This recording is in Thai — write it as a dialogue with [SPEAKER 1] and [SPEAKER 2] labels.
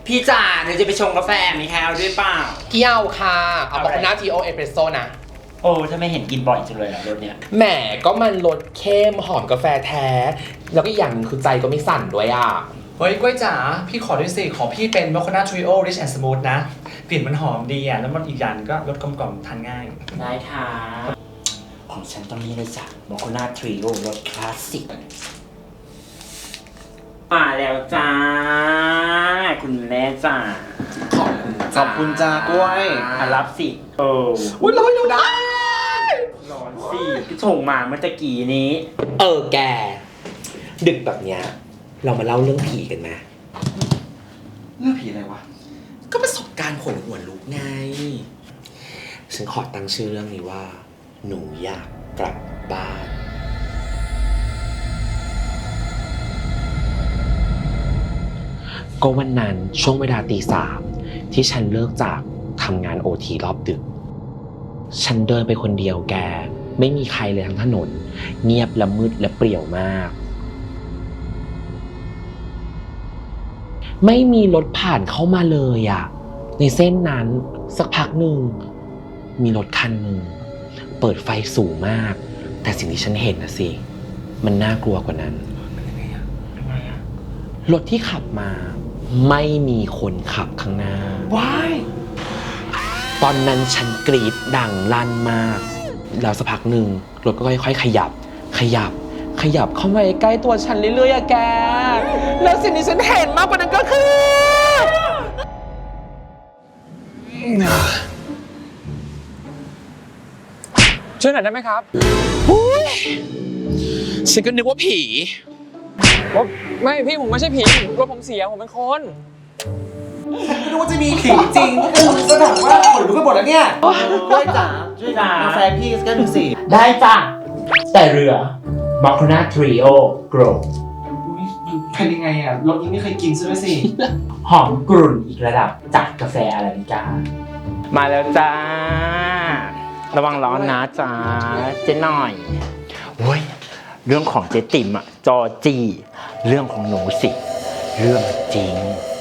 [SPEAKER 1] พี่จ๋าหนูจะไปชงกาแฟมีใครเอาด้วยเปล่า
[SPEAKER 2] เกี่ยวค่ะเอาบาคาน่าทีโอเอสเปรสโซ่นะ
[SPEAKER 1] โอ้ถ้าไม่เห็นกินบ่อยจังเลยอะรสเนี้ย
[SPEAKER 2] แหมก็มันรสเข้มหอมกาแฟแท้ แล้วก็อีกอย่างหนึงคือใจก็ไม่สั่นด้วยอ่ะ
[SPEAKER 3] เฮ้ยกล้วยจ๋าพี่ขอด้วยสิของพี่เป็นมอคคาน่าทริโอริชแอนด์สมูทนะกลิ่นมันหอมดีอ่ะแล้วมันอีกอย่างก็รสกลมกล่อมทานง่าย
[SPEAKER 1] ได้ค่ะของฉันต้องนี่เลยจ้ะโมโคนาทริโอรสคลาสสิกมาแล้วจ้าคุณแม่จ๋า
[SPEAKER 3] ขอบคุณจ้ากล้วย
[SPEAKER 1] รับสิ
[SPEAKER 2] อุ้ยร้อนอยู่ได้
[SPEAKER 1] ร้อนสิพี่ชงมาเมื่อตะกี้นี้
[SPEAKER 2] แก ดึกแบบเนี้ยเรามาเล่าเรื่องผีกันไหม
[SPEAKER 3] เรื่องผีอะไรวะ
[SPEAKER 2] ก็ประสบการณ์ขนหัวลุกไง ฉันขอตั้งชื่อเรื่องนี้ว่า หนูอยากกลับบ้าน ก็วันนั้นช่วงเวลาตี 3ที่ฉันเลิกจากทำงานOTรอบดึก ฉันเดินไปคนเดียวแก ไม่มีใครเลยทั้งถนน เงียบและมืดและเปรี่ยวมาก ไม่มีรถผ่านเข้ามาเลยอะในเส้นนั้นสักพักหนึ่งมีรถคันหนึ่งเปิดไฟสูงมาก แต่สิ่งที่ฉันเห็นนะสิมันน่ากลัวกว่านั้นรถที่ขับมาไม่มีคนขับข้างหน้า
[SPEAKER 3] Why?
[SPEAKER 2] ตอนนั้นฉันกรีดดังลั่นมากแล้วสักพักหนึ่งรถก็ค่อยๆขยับเข้ามาใกล้ตัวฉันเรื่อยๆอะแกแล้วสิ่งที่ฉันเห็นมากกว่านั้นก็คือช่วยหน่อยได้ไหมครับฉันก็นึกว่าผีไม่พี่ผมไม่ใช่ผีรถผมเสียผมเป็นคน
[SPEAKER 3] ไม่รู้ว่าจะมีผีจริงก็แบบว่าขนลุกไปหมดแล้วเนี่ยกล้วยจ๋าช่วยกาแฟพี่สักแก้วหนึ่งสิ
[SPEAKER 1] ได้จ้ะแต่เรือโมโคนาทริโอโกร
[SPEAKER 3] เป็นยังไงอ่ะรสนี้ไม่เคยกินซะด้วยสิ
[SPEAKER 1] หอมกรุ่นอีกระดับจากกาแฟอาราบิก้ามาแล้วจ้า ระวังร้อนนะจ้าเจ๊หน่อยโอ้ยเรื่องของเจ๊ติ๋มอะจอจีเรื่องของหนูสิ เรื่องจริง